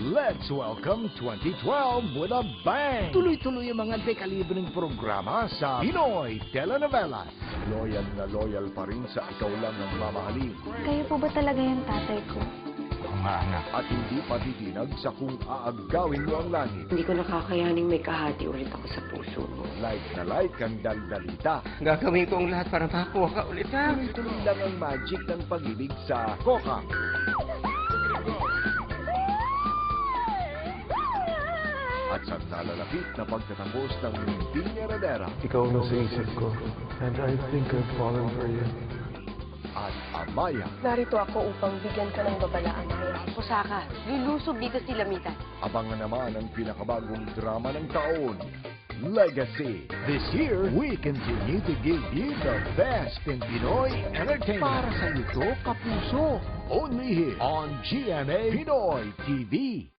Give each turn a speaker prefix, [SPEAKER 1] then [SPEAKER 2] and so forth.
[SPEAKER 1] Let's welcome 2012 with a bang! Tuloy-tuloy ang mga dekalibreng programa sa Pinoy Telenovelas. Loyal pa rin sa ikaw lang ang mamahalin.
[SPEAKER 2] Kayo po ba talaga yung tatay ko?
[SPEAKER 1] Mga anak. At hindi patitinag sa kung aagawin mo ang langit.
[SPEAKER 3] Hindi ko nakakayaning may kahati ulit ako sa puso mo.
[SPEAKER 1] Like na like ang daldalita.
[SPEAKER 3] Gagawin ko ang lahat para makakuha ka ulit, ha?
[SPEAKER 1] Tuloy-tuloy lang ang magic ng pag-ibig sa Kokang. At sa nalalapit na pagtatapos ng Pinya Radera.
[SPEAKER 4] Ikaw na sa isip ko, and I think I've fallen for you.
[SPEAKER 1] At Amaya.
[SPEAKER 5] Narito ako upang bigyan ka ng babala, Amaya.
[SPEAKER 3] Pusaka, lulusob dito si Lamita.
[SPEAKER 1] Abangan naman ang pinakabagong drama ng taon, Legacy. This year, we continue to give you the best in Pinoy entertainment. Para sa ito, kapuso. Only here on GMA Pinoy TV.